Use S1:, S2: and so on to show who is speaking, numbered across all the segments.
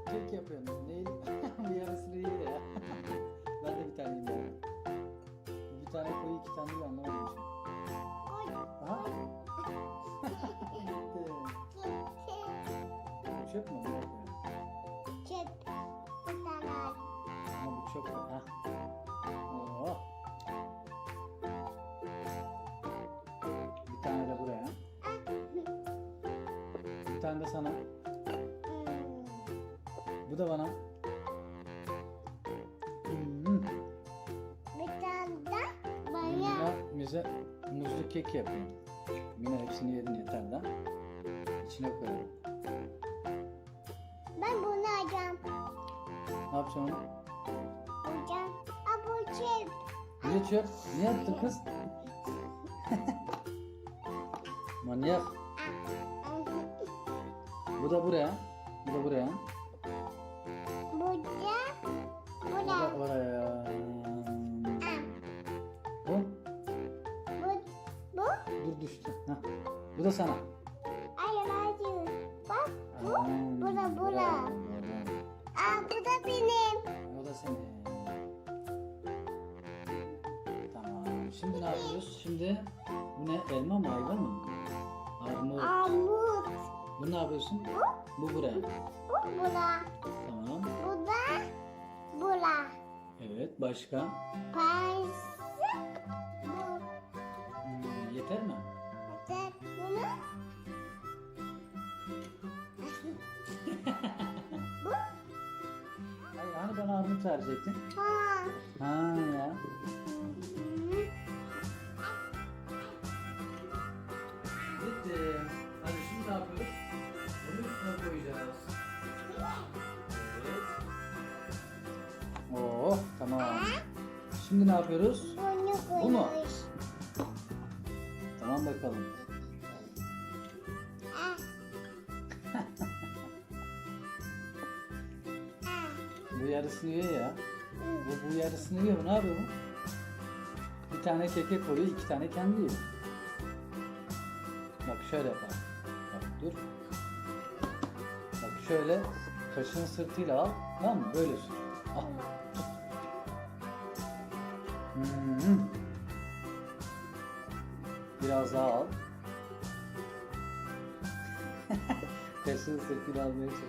S1: Kek yapıyorum. Neyi? Bir yarısını ye ya. Ben de bir tane yiyeyim. Bir tane koyu, iki tane de anlamadım şimdi. Aha. Gitti. Çöp mü?
S2: Çöp. Bir tane al.
S1: Ama bu çok... Ha. Oh. Bir tane de buraya. Bir tane de sana. Bu da bana.
S2: Bir tane de bana.
S1: Mina bize muzlu kek yapıyor. Mina hepsini yedin yeter de. İçine koyalım.
S2: Ben bunu alacağım.
S1: Ne yapacaksın onu?
S2: Alacağım. Aa, bu çöp.
S1: Niye çöp? Niye attın kız? Manyak. Bu da buraya. Bu da buraya.
S2: Burada.
S1: Bu da
S2: Burada.
S1: oraya. Bu?
S2: Bu.
S1: Dur düştü. Heh. Bu da sana.
S2: Hayır hayır. Bak bu.
S1: Aa,
S2: Bura.
S1: bravo.
S2: Aa, bu da benim.
S1: O da senin. Tamam. Şimdi ne yapıyoruz? Şimdi bu ne? Elma mı? Ayva mı? Armut.
S2: Armut.
S1: Bu ne yapıyorsun? Bu buraya.
S2: Bu bura.
S1: Tamam.
S2: Bu da bura.
S1: Evet. Başka?
S2: Payısı. Bu.
S1: Yeter mi?
S2: Tek bunu. Bu.
S1: Hayır, hani bana armut verecektin?
S2: Ha.
S1: Ha ya. Bitti. Hadi şimdi ne yapıyoruz? Bunu üstüne koyacağız. Evet. Oh, tamam. Şimdi ne yapıyoruz?
S2: Bunu
S1: Bu mu?
S2: koymuş.
S1: Tamam bakalım.
S2: Ah. Ah.
S1: Bu yarısını yiyor ya. Bu yarısını yiyor. Ne yapıyor bu? Bir tane keke koyuyor, iki tane kendi yiyor. Bak şöyle yapalım. Bak dur. Bak şöyle kaşığın sırtıyla al. Tamam mı? Böyle sür. Al. Hmm. Biraz daha al. Kaşığın sırtıyla almaya çalış.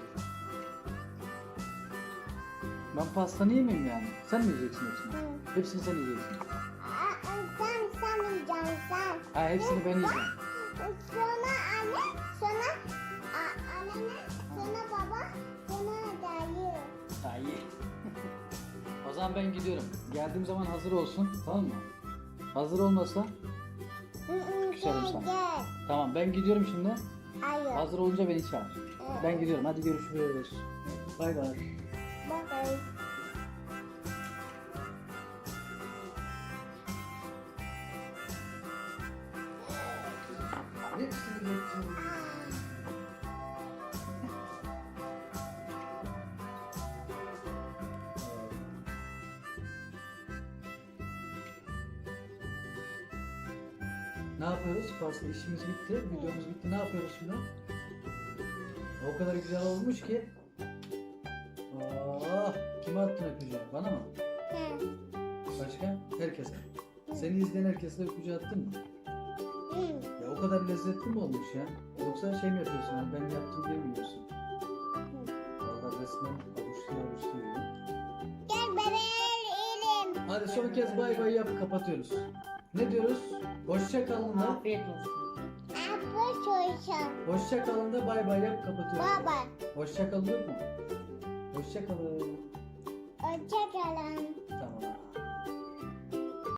S1: Ben pastanı yemeyeyim yani. Sen mi yiyeceksin hepsini? Hepsini sen yiyeceksin.
S2: Sen yiyeceksin sen.
S1: Ha, hepsini ben yiyeceğim.
S2: Sonra anne, sonra annene, sonra baba, sonra dayı.
S1: Ha, iyi. O zaman ben gidiyorum. Geldiğim zaman hazır olsun. Tamam mı? Hazır olmasa küserim
S2: Gel
S1: sana.
S2: gel.
S1: Tamam, ben gidiyorum şimdi.
S2: Hayır.
S1: Hazır olunca beni çağır. Ben gidiyorum. Hadi görüşürüz. Bay bay.
S2: Bye bye.
S1: Hepsini geçtim. Ne yapıyoruz? Pasta işimiz bitti. Videomuz bitti. Ne yapıyoruz şimdi? O kadar güzel olmuş ki. Oh, kime attın öpücüğü? Bana mı?
S2: Hı.
S1: Başka? Herkese. Seni izleyen herkese öpücüğü attın mı?
S2: Hı.
S1: Ya o kadar lezzetli mi olmuş ya? Yoksa şey mi yapıyorsun? Hani ben yaptım diye mi yiyorsun? Valla resmen avuçluyor yiyor.
S2: Gel bebeğim.
S1: Hadi son kez bay bay yap, kapatıyoruz. Ne diyoruz? Hoşça kalın da.
S3: Afiyet olsun.
S2: Abla çocuğum.
S1: Hoşça kalın da bay bay yap, kapatıyoruz.
S2: Baba.
S1: Hoşça kalın yok mu? Hoşça kalın.
S2: Hoşçakalın.